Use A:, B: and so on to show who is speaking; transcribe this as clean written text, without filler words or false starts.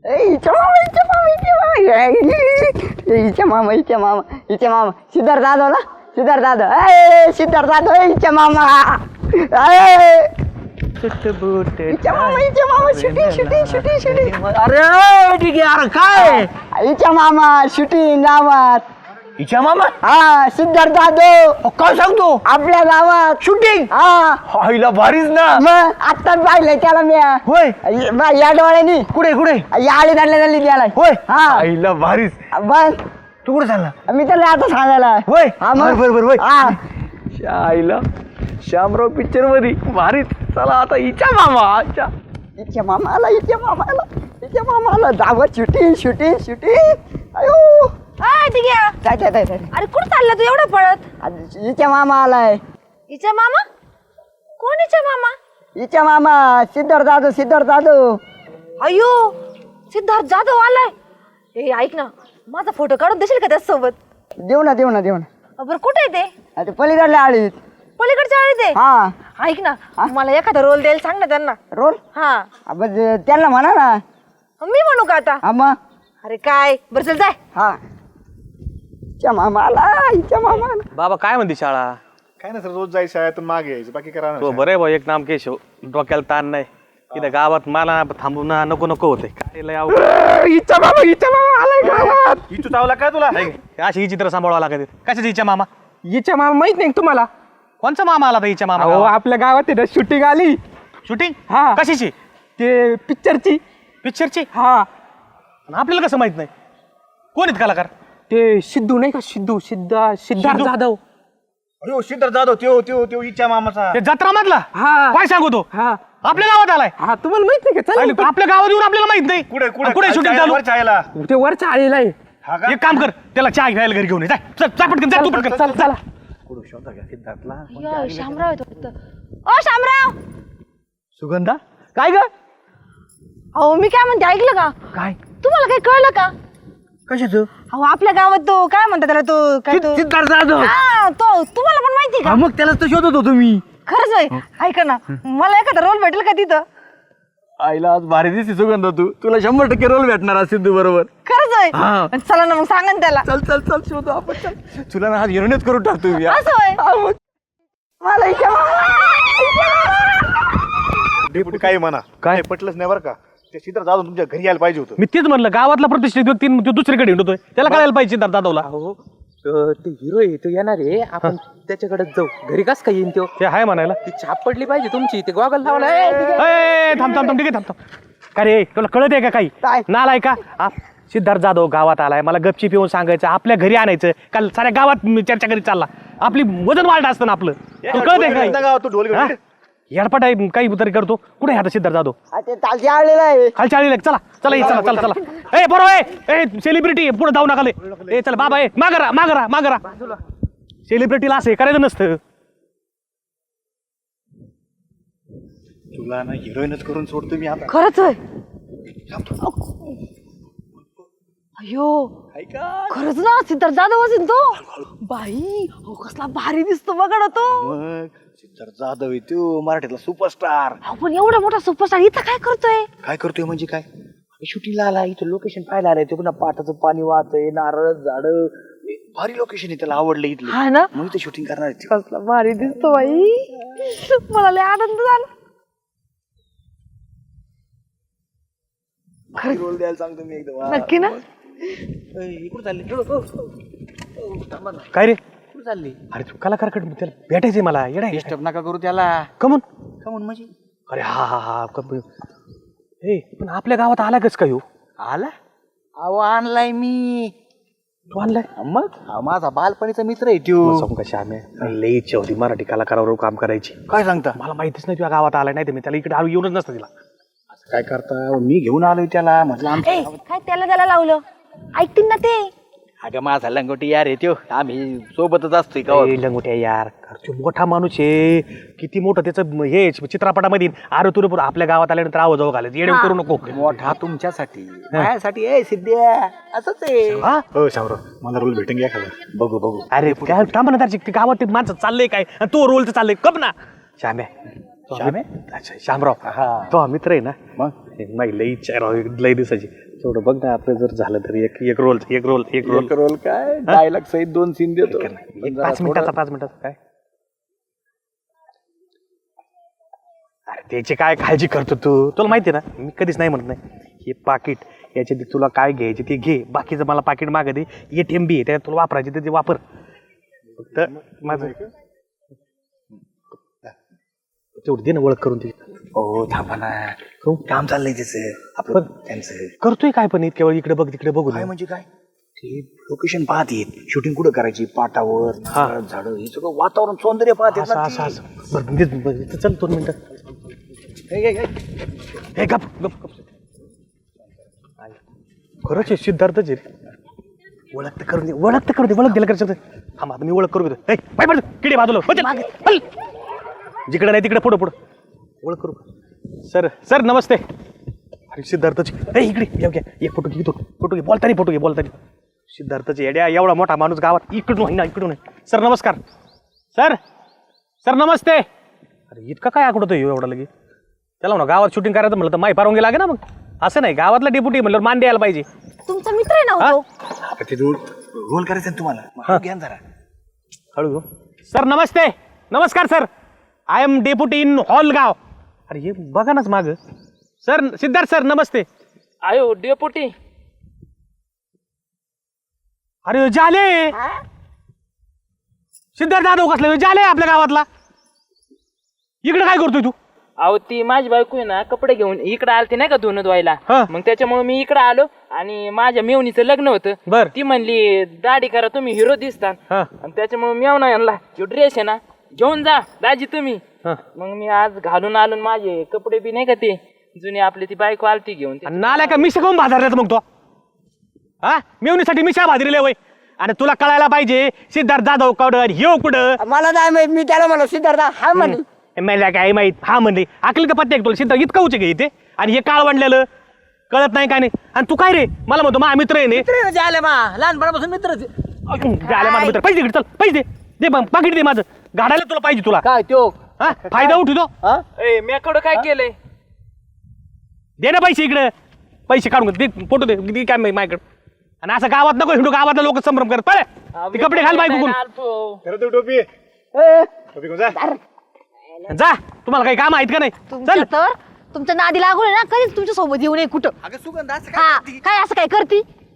A: हिच्या मामा सिद्धार्थ जाधव सिद्धार्थ जाधव हिच्या मामा शूटिंग
B: अरे ठीक आहे. अरे काय
A: हिच्या मामा शूटिंग गावात.
B: हिच्या मामा
A: हा सिद्धार्थ जाधव
B: काय सांगतो
A: आपल्या गावात
B: शूटिंग
A: हा
B: आईला भारीच ना.
A: मग आत्ताच पाहिलंय त्याला मी
B: होय
A: या डोळ्यानी
B: कुठे कुठे
A: या आळी झाली त्याला
B: होय
A: हा
B: आईला भारीच.
A: बस
B: तू कुठे चालला
A: मी त्याला आता सांगायला
B: होय
A: हा मग
B: बरोबर होय
A: हा
B: आईला श्यामराव पिक्चर मध्ये भारीच. चला आता हिच्या मामा
A: हिच्या मामाला दावत शूटिंग अयो
C: ठीक आहे.
A: जाय
C: अरे कुठं चालला तू एवढं पळत?
A: हिच्या मामा आलाय.
C: हिच्या मामा? कोण हिच्या मामा?
A: हिच्या मामा सिद्धार्थ जाधव
C: अयो सिद्धार्थ जाधव आलाय. ए ऐक ना माझा फोटो काढून देशील का त्यासोबत?
A: देऊ ना
C: बरं कुठे आहे ते?
A: आता पलीकडल्या आळीत.
C: पलीकडच्या आळीत आहे.
A: हा
C: ऐक ना मला एखादा रोल द्यायला सांग ना त्यांना.
A: रोल
C: हा
A: बस त्यांना म्हणा ना.
C: मी म्हणू का आता?
A: हा मग
C: अरे काय बरं चल जाय.
A: हा हिच्या मामाला
D: बाबा काय म्हणते शाळा?
E: काय ना सर रोज जायचं शाळेतून मागे यायचं बाकी करा
D: तो बरं आहे भाऊ एक नाम केशव डोक्याला ताण नाही इथं गावात मला थांबून नको होते काय लय अवघड.
B: हिच्या मामा आलाय गावात.
E: ही तू चावला काय तुला
D: अशी ही चित्र सांभाळावं लागत कशाची हिच्या मामा?
B: हिच्या मामा माहित नाही का तुम्हाला?
D: कोणचा मामा आला हिच्या मामा?
B: अहो आपल्या गावात आहे ना शूटिंग आली.
D: शूटिंग
B: हा.
D: कशाची?
B: ते पिक्चरची हा.
D: आणि आपल्याला कसं माहित नाही कोण आहेत कलाकार?
B: ते सिद्धू नाही का सिद्धार्थ जाधव.
E: अरे सिद्धार्थ जाधव त्यो हिच्या मामाचा.
D: ते जत्रा मधला
B: हा
D: काय सांगतो
B: हा
D: आपल्या गावात आलाय?
B: हा तुम्हाला माहित नाही का?
D: आले, आपल्या गावात येऊन आपल्याला माहित नाही कुठे शूटिंग चालू?
E: चायला
B: ते वरच्या आळीला आहे.
E: हा का?
D: एक काम कर त्याला चहा घ्यायला घरी घेऊन ये. जा पटकन जा तू पटकन
B: चला
C: अय्यो, शामराव येतो फक्त. ओ शामराव
D: सुगंधा काय ग?
C: अहो मी काय म्हणते ऐकलं का?
D: काय
C: तुम्हाला काही कळलं का?
D: कशाच?
C: अहो आपल्या गावात तो काय म्हणतात त्याला तो काय तो
D: सिद्धार्थ जाधव.
C: हा, तो तुम्हाला पण माहिती का?
D: मग त्यालाच तर शोधत होतो मी.
C: खरंच आहे. ऐका ना मला एखादा रोल भेटेल का तिथं?
D: आईला आज भारी दिसते सुगंधा तुला 100% रोल भेटणार आज सिद्धू बरोबर.
C: खरंच
D: हा.
C: आहे. चला ना मग सांगा ना त्याला.
D: चल शोधू आपण चल. तुला ना आज हिरोईनच करून टाकतो मी.
C: असं आहे.
A: मला हिच्या
E: डेपुटी काय म्हणा काय पटलंच नाही बरं का. ते सिद्धार्थ जाधव तुमच्या घरी यायला पाहिजे होतं.
D: मी तेच म्हणलं गावातला प्रतिष्ठित व्यक्ती तो दुसरीकडे हिंडतोय त्याला कळायला पाहिजे सिद्धार्थ जाधवला.
B: ते हिरो आहे तो येणार आहे आपण त्याच्याकडे जाऊ. घरी कस काय येईन तो?
D: ते आहे म्हणायला.
B: ती छाप पडली पाहिजे तुमची. ते गॉगल लावला.
D: थांब ठीक आहे थांब. का रे तुला कळत आहे का काही?
A: काय?
D: नालाय का? सिद्धार्थ जाधव गावात आलाय मला गपची पिऊन सांगायचं आपल्या घरी आणायचं काल साऱ्या गावात चर्चा करीत चालला. आपली वजन वाढ असतं ना आपलं. तुला कळत आहे काय?
E: तू ढोल घेऊन ये.
D: येडपट आहे काही तरी करतो. कुठे आहे आता सिद्धार्थ जाधव?
A: ते तालची आळलेला आहे.
D: खालच्या आळीला चला ए बरोबर ए सेलिब्रिटी पुढे जाऊ नका ए चल बाबा ए मागरा सेलिब्रिटीला असं करायचं नसतं.
E: तुला ना हिरोईनच करून सोडतो मी आता.
C: खरंच आहे. अयो खरंच ना सिद्धार्थ जाधव असेल तो. बाई हो कसला भारी दिसतो बघा ना तो.
E: मग सिद्धार्थ जाधव आहे तो मराठीतला सुपरस्टार.
C: अहो, पण एवढा मोठा सुपरस्टार इथं काय करतोय?
E: काय करतोय म्हणजे काय? शूटिंगला आला इथं लोकेशन पाहायला आलाय. ते पुन्हा पाटाचं पाणी वाहतंय नारळ झाड भारी लोकेशन आहे त्याला आवडलं इथलं.
C: हा ना
E: मग इथं शूटिंग करणार आहे.
C: कसला भारी दिसतो बाई. मला लय आनंद झाला.
E: रोल द्यायला सांगतो मी एकदम.
C: नक्की ना.
E: कुठं चालले?
D: काय रे
E: कुठं चालली?
D: अरे तू कलाकारकडे त्याला भेटायचंय मला येडा
E: डिस्टर्ब नका करू त्याला.
D: कमून
E: म्हणजे
D: अरे हा ए पण आपल्या गावात आला कस काय हो?
E: आला अहो आणलाय मी.
D: तू आणलाय?
E: मग माझा बालपणीचा मित्र आहे त्यो.
D: कशा आम्ही लई इच्छा होती मराठी कलाकारावर काम करायची.
E: काय सांगता?
D: मला माहितीच नाही तुझ्या गावात आलाय नाही तर मी त्याला इकडे येऊनच नसतं तिला.
E: काय करता मी घेऊन आलोय त्याला म्हटलं
C: काय त्याला लावलं ऐकतील ना ते.
E: अगं माझा लंगोटी यार आहे त्यो. आम्ही सोबतच असतोय का.
D: लंगोट्या यार तो मोठा माणूस आहे किती मोठं त्याचं हे चित्रपटामध्ये अरे तुरे आपल्या गावात आल्यानंतर आवाज घालायचं येडे करू नको.
E: मोठा तुमच्यासाठी माझ्यासाठी आहे सिद्ध्या असंच आहे. हो शामराव मला रोल भेटून घ्या खाली. बघू
D: अरे काय थांब ना त्याची गावात ते माणसं चाललंय काय आणि तो रोलचं चाललंय कब ना. श्याम्या अच्छा श्यामराव तो मित्र आहे ना.
E: मग
D: नाही लई इच्छा आहे राव लई दिवसाची तेवढं बघ ना आपलं जर झालं तर एक रोल
E: रोल काय डायलॉग सहित 2 सीन देतो.
D: 5 मिनिटाचा काय अरे त्याची काय काळजी करतो तू तुला माहिती आहे ना मी कधीच नाही म्हणत नाही. हे पाकिट याच्यात तुला काय घ्यायचे ते घे बाकीचं मला पाकिट मागे दे ATM बी आहे त्याच्यात तुला वापरायचे ते वापर फक्त माझं तेवढं दे ना ओळख करून ती
E: हो थांबा ना काम चाललंय त्याचं आपलं त्यांचं.
D: करतोय काय पण इतक्या वेळ इकडे बघ तिकडे बघू
E: काय म्हणजे काय ते लोकेशन पाहत येत शूटिंग कुठं करायची पाटावर झाड हे सगळं वातावरण सौंदर्य पाहत येत ना ती.
D: असं बरं चल 2 मिनिटं हे गप गप गप खरंच आहे सिद्धार्थच आहे ओळख तर करून दे ओळख दिला करायचं थांबा आता मी ओळख करू देतो पाय पड किडे बाजूला जिकडे नाही तिकडे पुढं ओळख करू सर नमस्ते अरे सिद्धार्थची इकडे एक फोटो घे बोलतानी सिद्धार्थची येड्या एवढा मोठा माणूस गावात इकडून सर नमस्कार सर नमस्ते अरे इतका काय आकडतो एवढा लगे त्याला म्हणा गावात शूटिंग करायचं म्हणलं तर माही पारवून लागे ना मग असं नाही गावातला डेप्युटी म्हणलं मान द्यायला पाहिजे
C: तुमचा मित्र आहे ना हो तो?
E: आता ते रोल करायचं ना तुम्हाला घ्या जरा
D: हळू सर नमस्कार sir I am deputy in Halgaon अरे हे बघा नाच माग सर सिद्धार्थ सर नमस्ते
F: आयो डेपुटी
D: अरे जाले सिद्धार्थ जाधव कसला जाले आपल्या गावातला इकडे काय करतोय तू
F: अहो ती माझी बायको आहे ना कपडे घेऊन इकडे आलती नाही का धुणं धुवायला
D: हा.
F: मग त्याच्यामुळे मी इकडे आलो आणि माझ्या मेवणीचं लग्न होतं
D: बर
F: ती म्हणली दाढी करा तुम्ही हिरो दिसतात
D: हा
F: आणि त्याच्यामुळे मेवना यांना जो ड्रेस आहे ना घेऊन जा दाजी तुम्ही
D: हा.
F: मग मी आज घालून आलो आणि माझे कपडे बी नाही का ते जुने आपली ती बायको आलती घेऊन
D: आणि नाल्या का मिशा काऊन भाजारल्यात मग तो हा मेवणीसाठी मिशा भाजलेले वय आणि तुला कळायला पाहिजे सिद्धार्थ जाधव कडं ह्यो कुठं
A: मला नाही माहित मी त्याला म्हणलो सिद्धार्थ हा म्हणे
D: मला काय माहित हा म्हणले अकल का पत्ते तुला सिद्धार्थ इतकं उचे घे इथे आणि हे काळ वाढलेलं कळत नाही काय नाही आणि तू काय रे मला म्हणतो मा मित्र आहे
A: लहानपणापासून मित्र
D: झाले माझा मित्र पैसे चल पैसे दे पाकिट दे माझं गाडायला तुला पाहिजे तुला
A: काय तो
D: हा फायदा उठतो
F: ए मेकडं काय केलंय
D: दे ना पैसे इकडे पैसे काढून दे फोटो दे काय माझ्याकडे आणि असं गावात नको हिंडू गावातला लोक संभ्रम करत पळे ते कपडे घाल बायको जा तुम्हाला काही काम आहेत का नाही
C: तुमच्या तर तुमच्या नादी लागू ना कधीच तुमच्या सोबत येऊ नये कुठं
E: अगं सुगंध असं
C: हा काय असं काय करती